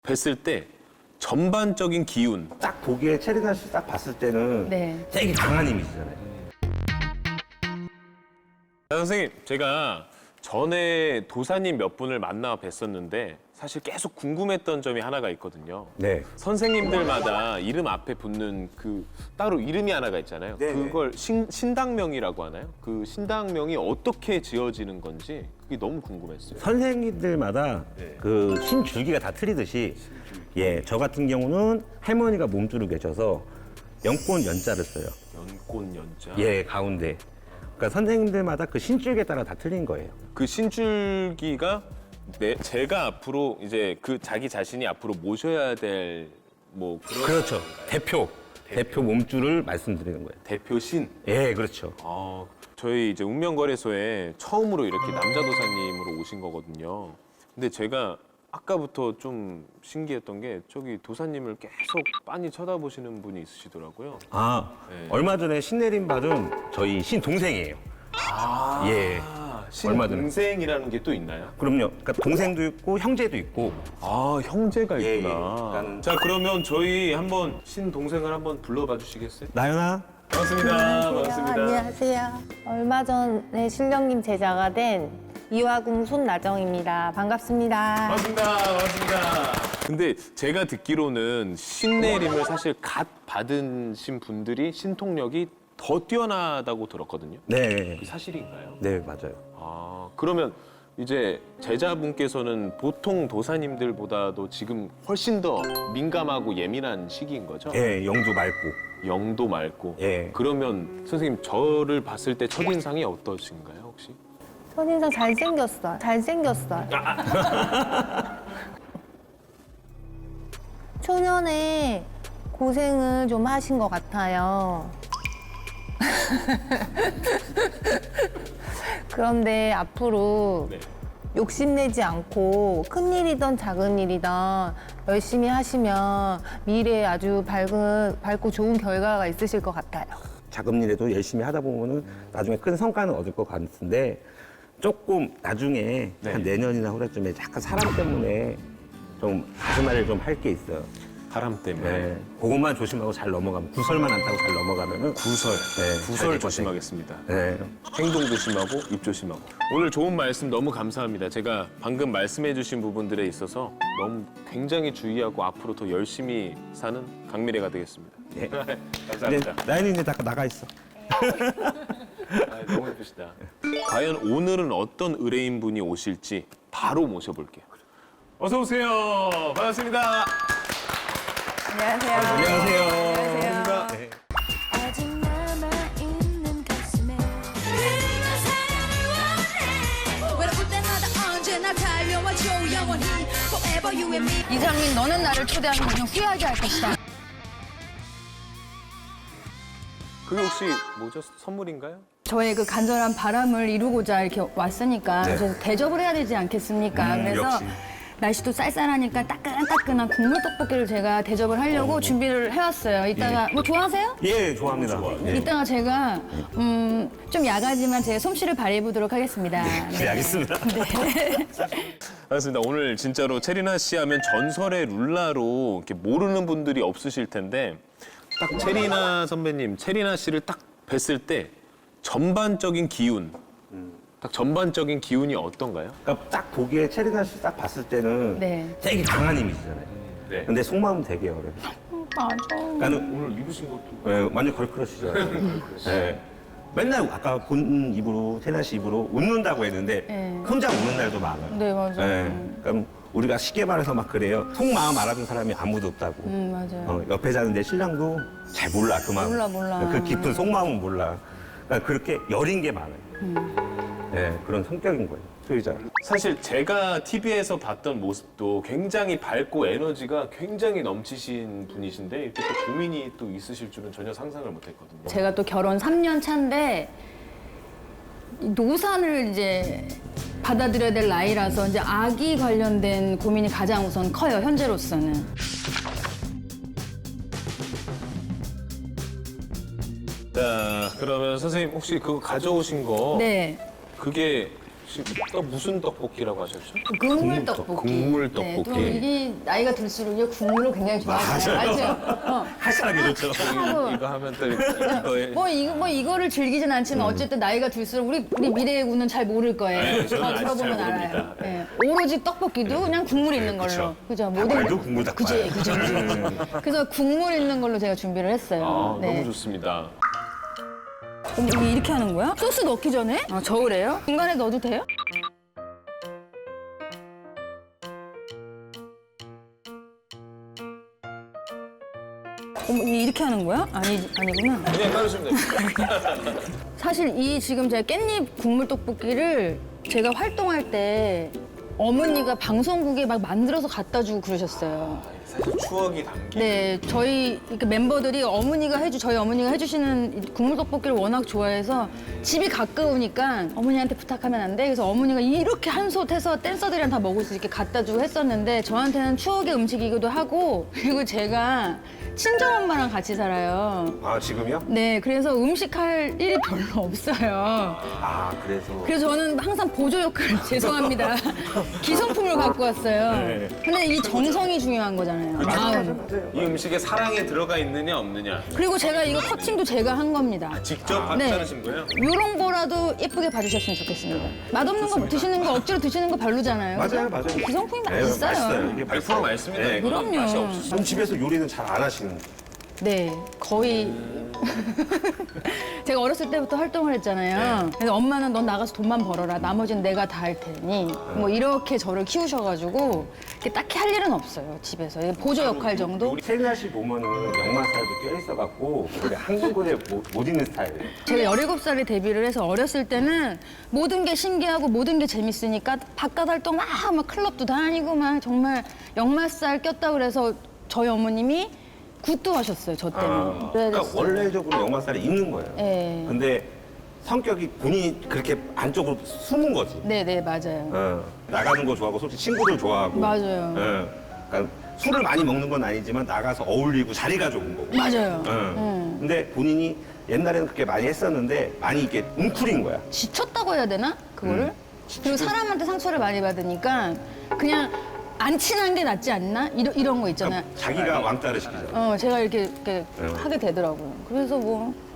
뵀을 때 전반적인 기운. 딱 보기에 체리나 씨 딱 봤을 때는 네. 되게 강한 이미지잖아요. 선생님, 제가 전에 도사님 몇 분을 만나 뵀었는데 사실 계속 궁금했던 점이 하나가 있거든요. 네. 선생님들마다 이름 앞에 붙는 그 따로 이름이 하나가 있잖아요. 네네. 그걸 신당명이라고 하나요? 그 신당명이 어떻게 지어지는 건지 그게 너무 궁금했어요. 선생님들마다 네. 그 신줄기가 다 틀리듯이 예, 저 같은 경우는 할머니가 몸주로 계셔서 연꽃 연자를 써요. 연꽃 연자. 예, 가운데. 그러니까 선생님들마다 그 신줄기에 따라 다 틀린 거예요. 그 신줄기가 제가 앞으로 이제 그 자기 자신이 앞으로 모셔야 될 뭐 그런 그렇죠. 대표 몸주를 말씀드리는 거예요. 대표 신. 예, 그렇죠. 저희 이제 운명거래소에 처음으로 이렇게 남자 도사님으로 오신 거거든요. 근데 제가 아까부터 좀 신기했던 게 저기 도사님을 계속 빤히 쳐다보시는 분이 있으시더라고요. 아, 네. 얼마 전에 신내림 받은 저희 신동생이에요. 예. 얼마 전에. 신동생이라는 게 또 있나요? 그럼요. 그러니까 동생도 있고 형제도 있고. 아, 형제가 예, 있구나. 예. 그러니까는- 자, 그러면 저희 한번 신동생을 한번 불러봐 주시겠어요? 나연아, 반갑습니다. 반갑습니다. 안녕하세요. 얼마 전에 신령님 제자가 된 이화궁 손나정입니다. 반갑습니다. 반갑습니다. 반갑습니다. 근데 제가 듣기로는 신내림을 사실 갓 받으신 분들이 신통력이 더 뛰어나다고 들었거든요. 네, 그게 사실인가요? 네 맞아요. 그러면 이제 제자분께서는 보통 도사님들보다도 지금 훨씬 더 민감하고 예민한 시기인 거죠? 예, 영도 맑고. 영도 맑고. 예. 그러면 선생님 저를 봤을 때 첫인상이 어떠신가요 혹시? 첫인상 잘생겼어요. 잘생겼어요. 초년에 고생을 좀 하신 것 같아요. 그런데 앞으로 네. 욕심내지 않고 큰 일이든 작은 일이든 열심히 하시면 미래에 아주 밝고 좋은 결과가 있으실 것 같아요. 작은 일에도 열심히 하다 보면은 나중에 큰 성과는 얻을 것 같은데 조금 나중에 네. 한 내년이나 후래쯤에 약간 사람 때문에 좀 가슴앓이를 좀 할 게 있어요. 바람 때문에. 네. 그것만 조심하고 잘 넘어가면 구설만 안 타고 잘 넘어가면은 구설. 네, 잘 구설 될 조심하겠습니다. 네. 행동 조심하고 입 조심하고. 오늘 좋은 말씀 너무 감사합니다. 제가 방금 말씀해주신 부분들에 있어서 너무 굉장히 주의하고 앞으로 더 열심히 사는 강미래가 되겠습니다. 네. 감사합니다. 근데 나연이 이제 다 나가 있어. 너무 예쁘시다. 과연 오늘은 어떤 의뢰인 분이 오실지 바로 모셔볼게요. 어서 오세요. 반갑습니다. 안녕하세요. 안녕하세요. 반갑습니다. 네. 아직 남아있는 가슴에 네가 사랑을 원해 외로울 때마다 언제나 달려와줘 영원히 Forever you and me 이상민, 너는 나를 초대하는 분은 후회하지 않을 것이다. 그게 혹시 뭐죠? 선물인가요? 저의 그 간절한 바람을 이루고자 이렇게 왔으니까 네. 그래서 대접을 해야 되지 않겠습니까? 그래서 역시. 날씨도 쌀쌀하니까 따끈따끈한 국물 떡볶이를 제가 대접을 하려고 준비를 해왔어요. 이따가 뭐 좋아하세요? 예, 좋아합니다. 네. 이따가 제가 좀 야가지만 제 솜씨를 발휘해 보도록 하겠습니다. 네, 알겠습니다. 알겠습니다. 오늘 진짜로 체리나 씨 하면 전설의 룰라로 이렇게 모르는 분들이 없으실 텐데 딱 체리나 선배님, 체리나 씨를 딱 뵀을 때 전반적인 기운, 딱 전반적인 기운이 어떤가요? 그러니까 딱 보기에 체리나 씨 딱 봤을 때는 네. 되게 강한 이미지잖아요. 네. 근데 속마음은 되게 어려요. 맞아. 그러니까는 오늘 입으신 것도 예, 완전 걸크러시잖아요. 예. 맨날 아까 본 입으로 체리나 씨 입으로 웃는다고 했는데 네. 혼자 웃는 날도 많아요. 네, 맞아요. 그러니까 우리가 쉽게 말해서 막 그래요. 속마음 알아준 사람이 아무도 없다고. 맞아요. 옆에 자는데 신랑도 잘 몰라 그 마음. 몰라. 그 깊은 속마음은 몰라. 그러니까 그렇게 여린 게 많아요. 네, 그런 성격인 거예요. 소유자. 사실 제가 TV에서 봤던 모습도 굉장히 밝고 에너지가 굉장히 넘치신 분이신데 이렇게 또 고민이 또 있으실 줄은 전혀 상상을 못했거든요. 제가 또 결혼 3년 차인데 이 노산을 이제 받아들여야 될 나이라서 이제 아기 관련된 고민이 가장 우선 커요, 현재로서는. 자, 그러면 선생님 혹시 그거 가져오신 거 네. 그게 혹시 무슨 떡볶이라고 하셨죠? 국물 떡볶이. 국물 네, 또 떡볶이. 이게 나이가 들수록 이게 국물을 굉장히 좋아하잖아요. 맞죠? 할사하게 좋죠. 이거 하면 또 이거에 뭐 이거를 즐기진 않지만 어쨌든 나이가 들수록 우리 미래의 군은 잘 모를 거예요. 네, 저는 아직 잘 들어보면 알아요. 모릅니다. 네. 오로지 떡볶이도 그냥 국물 있는 걸로. 그죠? 닭발도 국물 닭발. 그죠. 그래서 국물 있는 걸로 제가 준비를 했어요. 아, 네. 너무 좋습니다. 근데 이게 이렇게 하는 거야? 소스 넣기 전에? 아, 저으래요? 중간에 넣어도 돼요? 이게 이렇게 하는 거야? 아니구나. 그냥 따르시면 됩니다. 사실 이 지금 제가 깻잎 국물 떡볶이를 제가 활동할 때 어머니가 방송국에 막 만들어서 갖다 주고 그러셨어요. 사실 추억이 담긴. 네, 저희 이렇게 멤버들이 저희 어머니가 해주시는 이 국물 떡볶이를 워낙 좋아해서 집이 가까우니까 어머니한테 부탁하면 안 돼. 그래서 어머니가 이렇게 한솥 해서 댄서들이랑 다 먹을 수 있게 갖다 주고 했었는데 저한테는 추억의 음식이기도 하고 그리고 제가 친정엄마랑 같이 살아요. 아, 지금요? 네, 그래서 음식할 일이 별로 없어요. 아, 그래서. 그래서 저는 항상 보조 역할 죄송합니다. 기성품을 갖고 왔어요. 네. 근데 이 정성이 중요한 거잖아요. 마음. 이 음식에 사랑이 들어가 있느냐 없느냐. 그리고 제가 이거 커팅도 제가 한 겁니다. 직접 네. 자르신 거예요? 이런 거라도 예쁘게 봐주셨으면 좋겠습니다. 맛없는 거 드시는 거 억지로 드시는 거 별로잖아요. 맞아요, 그죠? 맞아요. 기성품이 네, 맛있어요. 맛있어요. 이게 100% 맛있습니다. 네. 이거는 그럼요. 맛이 없어. 그럼 집에서 요리는 잘 안 하시는. 네, 거의. 제가 어렸을 때부터 활동을 했잖아요. 그래서 엄마는 넌 나가서 돈만 벌어라. 나머지는 내가 다 할 테니. 뭐 이렇게 저를 키우셔가지고 이렇게 딱히 할 일은 없어요, 집에서. 보조 역할 정도? 우리 세리나 씨 보면은 역마살도 껴있어갖고 원래 한국어에 못 있는 스타일이에요. 제가 17살에 데뷔를 해서 어렸을 때는 모든 게 신기하고 모든 게 재밌으니까 바깥 활동 막 클럽도 다니고 막 정말 역마살 꼈다 그래서 저희 어머님이 굿도 하셨어요, 저 때문에. 그러니까 원래적으로 역마살이 있는 거예요. 네. 근데 성격이 본인이 그렇게 안쪽으로 숨은 거지. 네네, 맞아요. 나가는 거 좋아하고 솔직히 친구들 좋아하고. 맞아요. 그러니까 술을 많이 먹는 건 아니지만 나가서 어울리고 자리가 좋은 거고. 맞아요. 근데 본인이 옛날에는 그렇게 많이 했었는데 많이 이렇게 웅크린 거야. 지쳤다고 해야 되나? 그거를? 그리고 사람한테 상처를 많이 받으니까 그냥 안 친한 게 낫지 않나? 이런 거 있잖아요. 자기가 왕따를 시키잖아. 제가 이렇게 하게 되더라고요. 그래서 뭐